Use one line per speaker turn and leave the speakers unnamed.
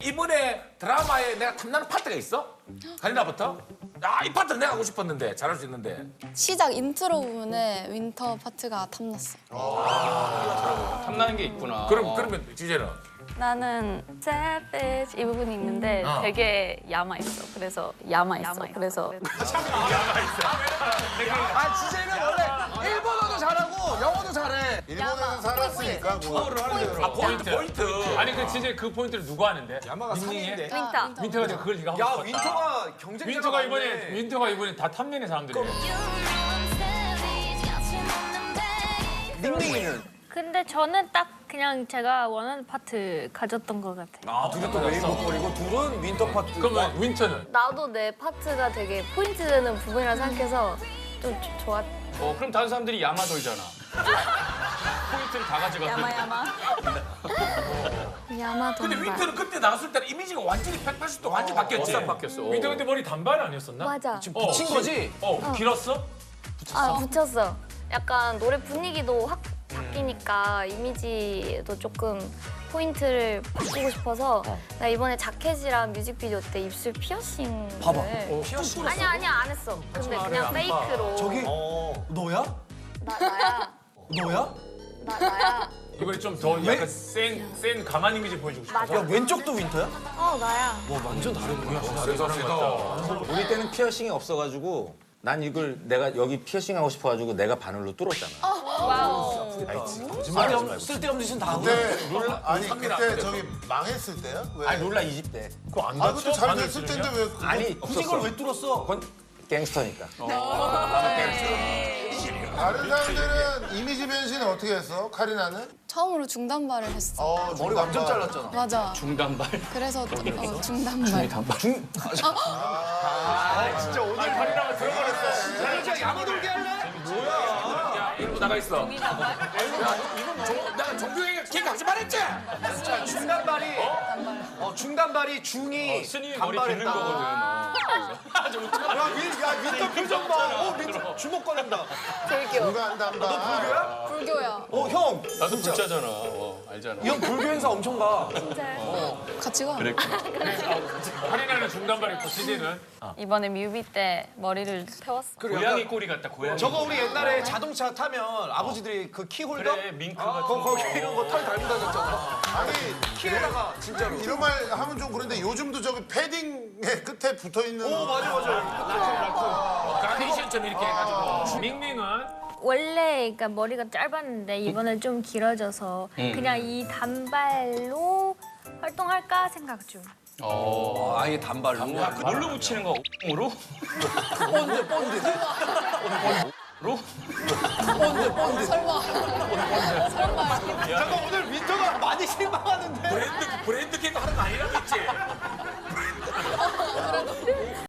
이번에 드라마에 내가 탐나는 파트가 있어? 가리나부터? 이 파트 내가 하고 싶었는데 잘할 수 있는데.
시작 인트로 부분에 윈터 파트가 탐났어.
탐나는 게 있구나.
그러면 주제는?
나는 savage 이 부분이 있는데 되게 야마 있어. 그래서 야마 있어. 그래서
주제는 원래 일본어도 잘하고 영어도 잘해.
일본에서 살았으니까 뭐.
포인트.
아니 그 진짜 그 포인트를 누가 하는데?
야마가
닝닝이에?
윈터.
윈터가 지금 그걸 네가 하고
야
싶었다.
윈터가 경쟁자가
윈터가 이번에 다 탐내는 사람들이야.
닝닝이는
근데 저는 딱 그냥 제가 원하는 파트 가졌던 것 같아요.
둘이 또 웨이브 버리고 둘은 윈터 파트.
그러면 윈터는?
나도 내 파트가 되게 포인트 되는 부분이라 생각해서 좀 좋았.
그럼 다른 사람들이 야마 돌잖아. 포인트를 다 가져가.
야마. 야마
근데
돈발.
윈터는 그때 나왔을 때는 이미지가 완전히 180도 완전히 바뀌었지.
바뀌었어. 윈터 근데 머리 단발 아니었었나?
맞아.
붙인 거지?
길었어?
아 붙였어. 약간 노래 분위기도 확 바뀌니까 이미지도 조금 포인트를 바꾸고 싶어서 나 이번에 자켓이랑 뮤직비디오 때 입술 피어싱을
봐봐. 피어싱.
아니야 안 했어. 근데 그냥 페이크로.
저기 너야?
나야.
너야?
나야.
이번에 좀 더 약간 센 가만 이미지 보여주고 싶어.
맞아.
야 왼쪽도 윈터야?
나야.
와 완전 다르구나.
다른 사람 같다.
우리 때는 피어싱이 없어가지고 난 이걸 내가 여기 피어싱 하고 싶어가지고 내가 바늘로 뚫었잖아.
아니 쓸데없는 짓은 다 하고.
그때 아니 그때 저기 망했을 때야? 왜?
아니 룰라 20대.
그거 안
그것도
다쳐?
잘
바늘
됐을
찌르냐?
텐데 왜? 그거-
아니
굳이
없었어.
그걸 왜 뚫었어?
그건 갱스터니까.
다른 사람들은 이미지 변신을 어떻게 했어? 카리나는?
처음으로 중단발을 했어.
머리 완전 잘랐잖아.
맞아.
중단발.
그래서 중단발.
진짜 오늘 카리나가 들어버렸어. 진짜 야마 돌게 할래?
야, 이러고 나가 있어. 내가 정규행에 걔가 하지 말했지?
진짜 중단발이 중이
스님이 머리 빗는 거거든.
야 윈터 표정 봐. 윈터 주먹 꺼낸다.
제일 귀여워.
누가 한다.
불교야.
형.
나도 불자잖아. 알잖아.
이 형 불교 행사 엄청 가.
같이 가.
할인하는 중단발 입고 CD는
이번에 뮤비 때 머리를 태웠어.
고양이 꼬리 같다. 고양이.
저거 우리 옛날에 자동차 타면 아버지들이 그 키홀더?
그래 밍크 같은
거기 이런 거 털 달고 다녔잖아.
아니
키에다가 진짜로.
이런 말 하면 좀 그런데 요즘도 저기 패딩의 끝에 붙어 있는.
카네이션처럼 이렇게 해가지고.
밍밍은
원래 그러니까 머리가 짧았는데 이번에 좀 길어져서 그냥 이 단발로 활동할까 생각 중.
아예 단발로.
뭘로 붙이는 거? 으로?
잠깐 오늘 윈터가 많이 실망하는데.